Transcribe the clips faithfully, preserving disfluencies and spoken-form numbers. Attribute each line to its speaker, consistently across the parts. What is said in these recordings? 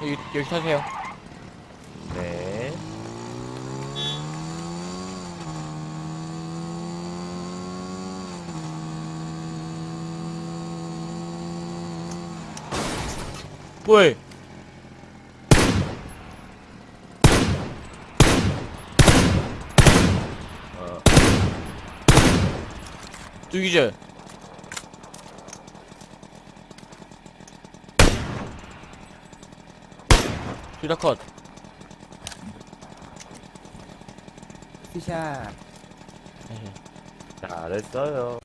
Speaker 1: 여기, 여기 타세요.
Speaker 2: 네.
Speaker 1: 뭐해?
Speaker 2: 어.
Speaker 1: 두기절. 둘 다 컷.
Speaker 3: 피샷.
Speaker 2: 잘했어요.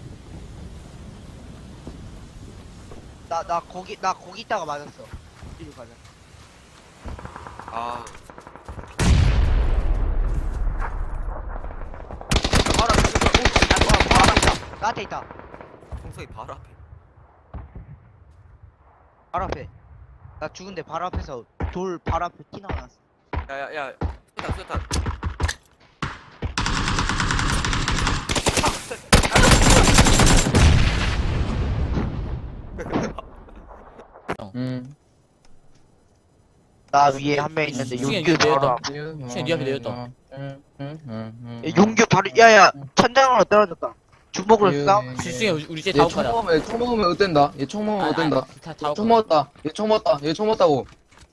Speaker 4: 나, 나 거기, 나 거기 있다가 맞았어. 이리 가자.
Speaker 5: 아,
Speaker 4: 바로 앞에 있어. 오, 아, 바로 앞에 있다. 나한테 있다.
Speaker 5: 홍석이 바로 앞에.
Speaker 4: 바로 앞에. 나 죽은데 바로 앞에서 돌 바로 앞에 티 나왔어.
Speaker 5: 야야야, 수탄 수탄.
Speaker 3: 음.
Speaker 4: 나 위에 한 명 있는데
Speaker 1: 수영이
Speaker 4: 용규
Speaker 1: 이거
Speaker 4: 바로
Speaker 1: 내렸다.
Speaker 4: 앞.
Speaker 1: 시간 네 앞에 내렸다.
Speaker 3: 음, 음, 음, 음.
Speaker 4: 야, 용규 바로, 야야, 천장으로 떨어졌다. 주먹으로 싸.
Speaker 1: 수영이 우리, 우리 쟤 다음
Speaker 3: 얘총
Speaker 1: 가자.
Speaker 3: 먹으면 얘총 먹으면 어땠다? 얘 총 먹으면 어땠다?
Speaker 1: 다, 다
Speaker 3: 총 먹었다. 얘 총 먹었다. 얘 총 먹었다고.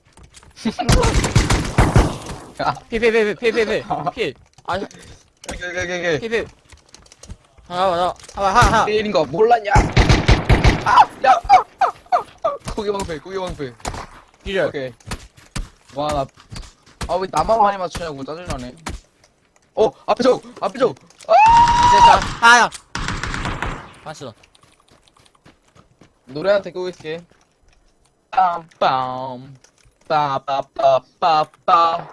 Speaker 1: 필, 필, 필, 필, 필, 필, 필. 아,
Speaker 3: 게게게게.
Speaker 1: 필, 필. 하나, 하나, 하나, 하나, 하나.
Speaker 3: 때린 거 몰랐냐? 아, 야. 고기 방패, 고기 방패.
Speaker 1: 기절.
Speaker 3: 오케이. 와, 나. 아, 왜 나만 많이 맞추냐고 짜증나네. 어, 앞에 저, 앞에 저.
Speaker 1: 됐다. 하나. 봤어.
Speaker 3: 노래한테 끄고 있을게. 빰빰. 빠빠빠빠빠.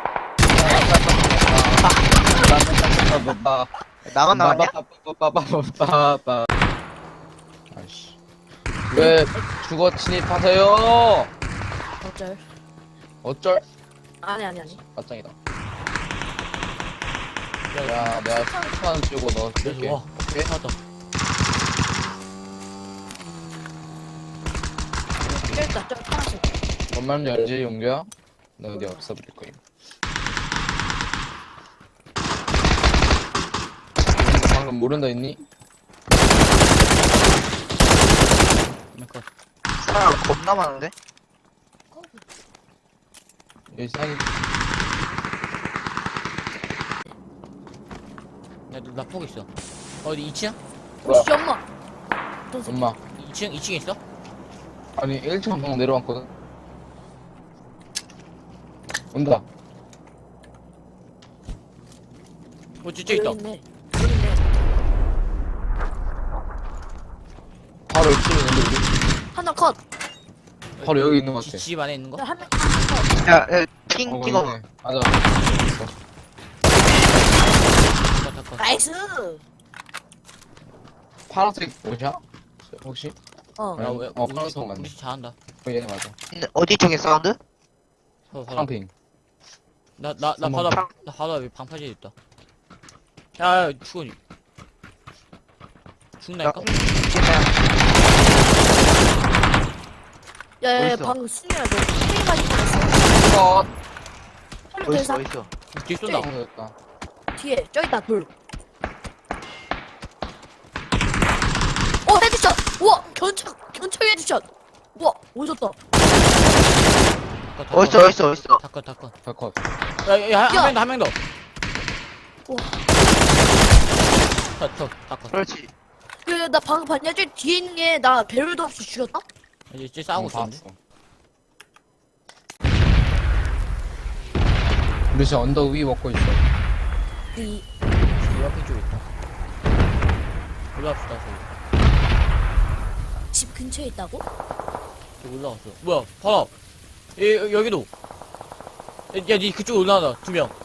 Speaker 3: 빠빠빠빠빠.
Speaker 4: 나만 나왔냐?
Speaker 3: 빠빠빠빠빠빠. 아이씨. 왜 주거 침입하세요?
Speaker 6: 어쩔?
Speaker 3: 어쩔?
Speaker 6: 아니 아니 아니.
Speaker 3: 맞짱이다. 야, 내가 수천 원 주고 너 줄게.
Speaker 1: 와,
Speaker 3: 오케이?
Speaker 1: 찾았다.
Speaker 6: 쩔다 쩔 파란색.
Speaker 3: 뭔 말인지 알지, 용규야? 너 어디 없어버릴 거임. 방금 모른다 했니?
Speaker 1: 컷.
Speaker 4: 사람 겁나 많은데?
Speaker 3: 여기 사기.
Speaker 1: 나, 나 포기 있어. 어디 이 층?
Speaker 3: 뭐야?
Speaker 6: 오씨 엄마. 어떤 새끼?
Speaker 3: 엄마.
Speaker 1: 이 층, 이 층에 있어?
Speaker 3: 아니, 일 층 방금 내려왔거든? 온다.
Speaker 1: 어, 저쪽 있다.
Speaker 6: 여기 있네. 여기 있네.
Speaker 3: 바로 일 층에 있는데, 우리?
Speaker 6: 하나 컷.
Speaker 3: 바로 여기 있는 것
Speaker 1: 지-
Speaker 3: 같아.
Speaker 1: 집 안에 있는 거?
Speaker 6: 한 명. 하나 컷.
Speaker 4: 야, 야, 핑
Speaker 3: 어,
Speaker 4: 찍어.
Speaker 3: 있네. 맞아.
Speaker 1: 컷, 컷, 컷.
Speaker 6: 나이스.
Speaker 3: 파란색 뭐냐? 혹시?
Speaker 6: 어.
Speaker 1: 야, 왜,
Speaker 3: 어,
Speaker 1: 우리,
Speaker 3: 파란색
Speaker 1: 우리
Speaker 3: 맞네.
Speaker 1: 잘한다.
Speaker 3: 어, 얘네 맞아.
Speaker 4: 어디 쪽에 사운드?
Speaker 1: 서로, 서로.
Speaker 3: 파랑핑.
Speaker 1: 나, 나, 나
Speaker 3: 한번
Speaker 1: 바다, 나 바다 왜 방파제 있다. 야, 야, 죽어. 죽나니까?
Speaker 6: 야야야
Speaker 4: 어딨어?
Speaker 6: 방금 순이야 너 스페인 가지 뻔했어.
Speaker 3: 어,
Speaker 6: 헐로
Speaker 4: 어딨어,
Speaker 6: 대사
Speaker 4: 어딨어?
Speaker 1: 뒤에 쏜다.
Speaker 3: 됐다.
Speaker 6: 뒤에 저기 있다 돌. 어 헤드샷. 우와 견착 견착 헤드샷. 우와 오졌다.
Speaker 4: 어딨어, 어딨어, 어딨어?
Speaker 1: 다 컷, 다 컷.
Speaker 3: 다 컷.
Speaker 1: 야, 야, 한
Speaker 6: 야.
Speaker 1: 명 더, 한 명 더.
Speaker 6: 우와.
Speaker 1: 컷, 컷, 다 컷.
Speaker 4: 그렇지.
Speaker 6: 야야 나 방금 봤냐? 저 뒤에 있는 게 나 배럴도 없이 죽였다?
Speaker 1: 이제 쟤 싸우고
Speaker 3: 응, 다
Speaker 1: 있었는데.
Speaker 3: 왔어. 우리 지금 언덕 위 먹고 있어.
Speaker 6: 이
Speaker 1: 이 앞에 쪽에 있다. 올라갑시다, 저기.
Speaker 6: 집 근처에 있다고?
Speaker 1: 저기 올라갔어. 뭐야, 봐라. 예, 여- 여기도. 야, 야, 니 그쪽 올라가다, 두 명.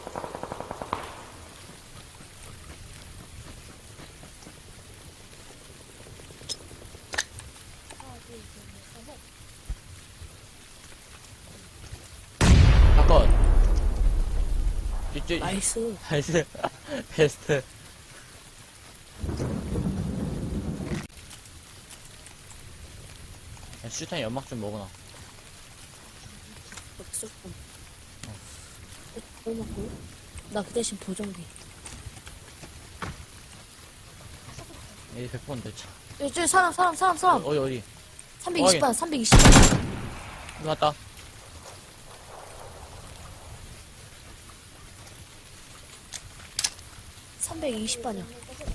Speaker 1: 다 컷. 이쪽,
Speaker 6: 나이스.
Speaker 1: 나이스. 베스트. 야, 슈탄 연막 좀 먹어놔.
Speaker 6: 쏠건. 뭐 먹고? 나 그 대신 보정기.
Speaker 1: 얘 백 번 대차.
Speaker 6: 여기 저기 사람 사람 사람 사람.
Speaker 1: 어디, 어디?
Speaker 6: 삼백이십 반 삼백이십 반.
Speaker 1: 이거 왔다.
Speaker 6: 삼백이십 반이야.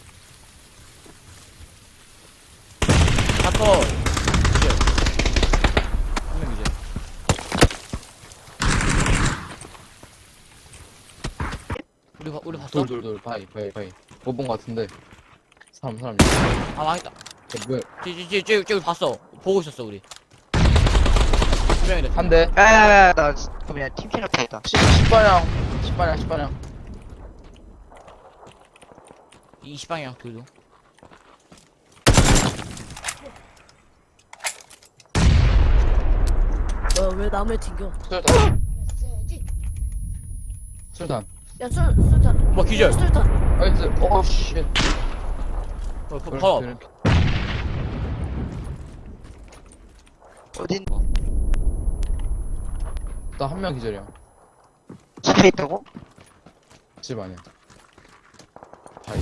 Speaker 1: 사커. 이제. 한명 이제. 우리, 봐- 우리 봤어?
Speaker 3: 돌돌돌 바이 바이 바이. 못 본 거 같은데. 사람 사람.
Speaker 1: 아, 망했다.
Speaker 3: 어, 뭐야?
Speaker 1: 저기, 저기, 저기, 저기 봤어. 보고 있었어, 우리. 한 명이래.
Speaker 3: 한 대.
Speaker 4: 야야야 나 그냥 팀킬 앞에 있다.
Speaker 3: 십 방향. 십 방향 십 방향.
Speaker 1: 이십 방향, 둘도.
Speaker 6: 뭐야 왜 나무에 튕겨?
Speaker 3: 술탄. 술탄.
Speaker 6: 야 술, 술탄.
Speaker 1: 뭐, 기절.
Speaker 6: 술탄.
Speaker 3: 아이스. 오 쉣.
Speaker 1: 어, 바- 바로.
Speaker 4: 어딘
Speaker 3: 나한 명 기절이야.
Speaker 4: 집에 있다고?
Speaker 3: 집 아니야. 바이.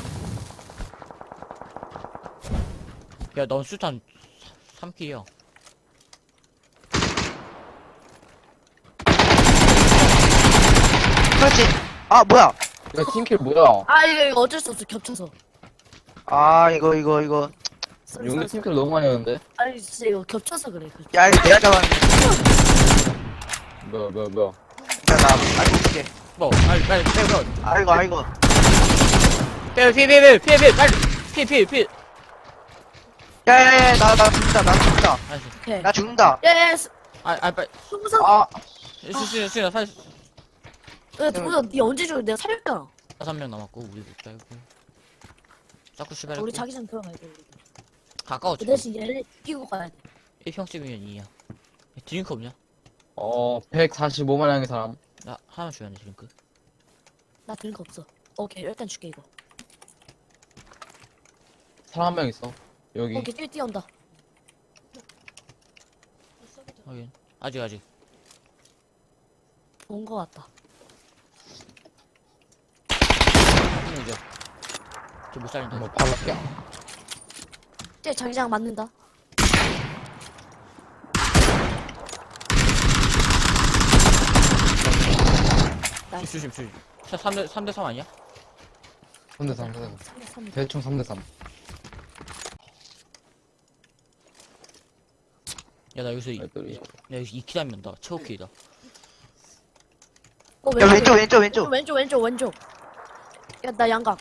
Speaker 1: 야, 넌 수탄 삼 킬이야.
Speaker 4: 그렇지. 아 뭐야?
Speaker 3: 야 팀킬 뭐야?
Speaker 6: 아 이거, 이거 어쩔 수 없어 겹쳐서.
Speaker 4: 아 이거 이거 이거.
Speaker 6: 쏘리,
Speaker 3: 용기
Speaker 6: 쏘리, 쏘리.
Speaker 3: 팀킬 너무 많이 했는데.
Speaker 6: 아니 진짜 이거 겹쳐서 그래. 겹쳐.
Speaker 4: 야 이거 내가 잡았는데.
Speaker 3: 뭐야 뭐야 뭐야.
Speaker 4: 야나 알고 있게.
Speaker 1: 뭐, 빨리, 빨리, 빼, 빼.
Speaker 4: 아이고 아이고.
Speaker 1: 빼, 피해, 피해, 피해, 피해, 빨리. 피해, 피해, 피해.
Speaker 4: 야야야 나 나 죽는다 나 죽는다.
Speaker 1: 알았어.
Speaker 6: 오케이.
Speaker 4: 나 죽는다.
Speaker 6: 야야
Speaker 1: 아, 아, 빨리.
Speaker 6: 동상.
Speaker 3: 아
Speaker 1: 수, 수, 수, 살,
Speaker 6: 야 동상 니 언제 죽어? 내가 살렸잖아.
Speaker 1: 다섯 명 남았고, 우리 못 달고. 자꾸 시발했고.
Speaker 6: 우리 자기장 들어가야 돼. 우리.
Speaker 1: 가까워,
Speaker 6: 그
Speaker 1: 지금.
Speaker 6: 대신 얘를 끼고 가야 돼.
Speaker 1: 일 평씩이면 이야. 드링크 없냐?
Speaker 3: 어 백사십오만 양의 사람.
Speaker 1: 나 하나만 줘야 돼, 드링크.
Speaker 6: 나 들은 거 없어. 오케이 일단 줄게 이거.
Speaker 3: 사람 한 명 있어. 여기.
Speaker 6: 오케이 뛰어 뛰어온다.
Speaker 1: 확인. 아직, 아직.
Speaker 6: 온 거 같다.
Speaker 1: 한 명이죠. 저못 살린다.
Speaker 3: 뭐 바로 야.
Speaker 6: 쟤 자기장 맞는다. 나이스.
Speaker 1: 조심, 조심. 삼 대, 삼 대 삼 아니야?
Speaker 3: 삼 대 삼, 삼 대 삼.
Speaker 6: 삼 대 삼.
Speaker 3: 대충 삼 대 삼.
Speaker 1: 야, 나 여기서, 이, 야,
Speaker 3: 애들이.
Speaker 1: 여기서 이 킬 하면 나 최고 킬이다.
Speaker 6: 어,
Speaker 4: 야 왼쪽 왼쪽 왼쪽.
Speaker 6: 왼쪽 왼쪽 왼쪽. 야 나 양각.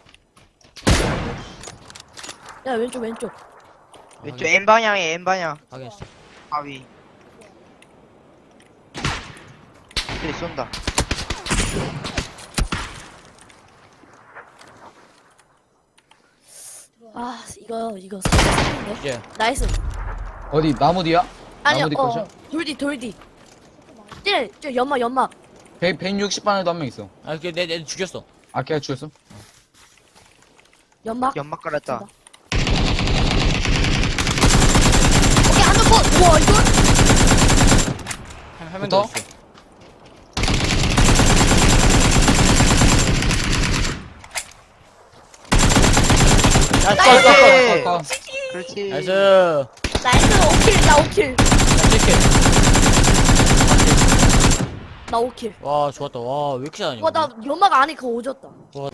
Speaker 6: 야 왼쪽 왼쪽.
Speaker 4: 왼쪽 N 방향에 N 방향.
Speaker 1: 확인했어.
Speaker 4: 가위. 그래 쏜다.
Speaker 6: 아 이거 이거 살인데.
Speaker 1: 이제,
Speaker 6: 나이스.
Speaker 3: 어디 나무 뒤야?
Speaker 6: 아니야
Speaker 3: 나무 뒤
Speaker 6: 어
Speaker 3: 컷이야?
Speaker 6: 돌디 돌디. 쟤, 쟤 연막 연막.
Speaker 3: 백 백육십 반에도 한 명 있어.
Speaker 1: 아, 그, 내, 내 죽였어.
Speaker 3: 아 걔가 죽였어?
Speaker 6: 연막.
Speaker 4: 연막 깔았다.
Speaker 6: 오케이 하나 컷. 우와 이거.
Speaker 1: 한, 한명 더
Speaker 3: 붙어?
Speaker 1: 있어. 야,
Speaker 6: 나이스!
Speaker 1: 꺼, 꺼, 꺼.
Speaker 3: 아, 아,
Speaker 4: 그렇지.
Speaker 1: 나이스.
Speaker 6: 나이스 오킬 나 오킬.
Speaker 1: 야, 칠킬.
Speaker 6: 나 오킬.
Speaker 1: 와, 좋았다. 와, 왜 이렇게 잘하냐.
Speaker 6: 와나 연막 안에 그거 오졌다.
Speaker 1: 와,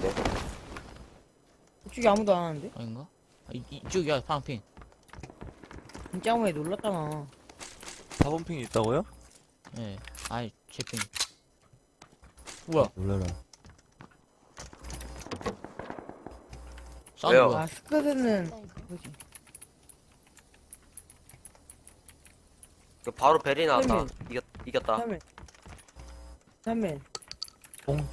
Speaker 7: 이쪽에 아무도 안 하는데?
Speaker 1: 아닌가? 아, 이, 이쪽이야, 파랑핑.
Speaker 7: 진짜 왜 놀랐잖아.
Speaker 2: 사 번 핑이 있다고요?
Speaker 1: 예. 아이, 제핑. 뭐야?
Speaker 2: 놀래라.
Speaker 1: 싸우는
Speaker 5: 왜요?
Speaker 1: 거야.
Speaker 7: 아, 스크드는 뭐지?
Speaker 5: 그 바로 베리 나왔다.
Speaker 7: 설명.
Speaker 5: 이겼 이겼다.
Speaker 7: 삼면. 삼면.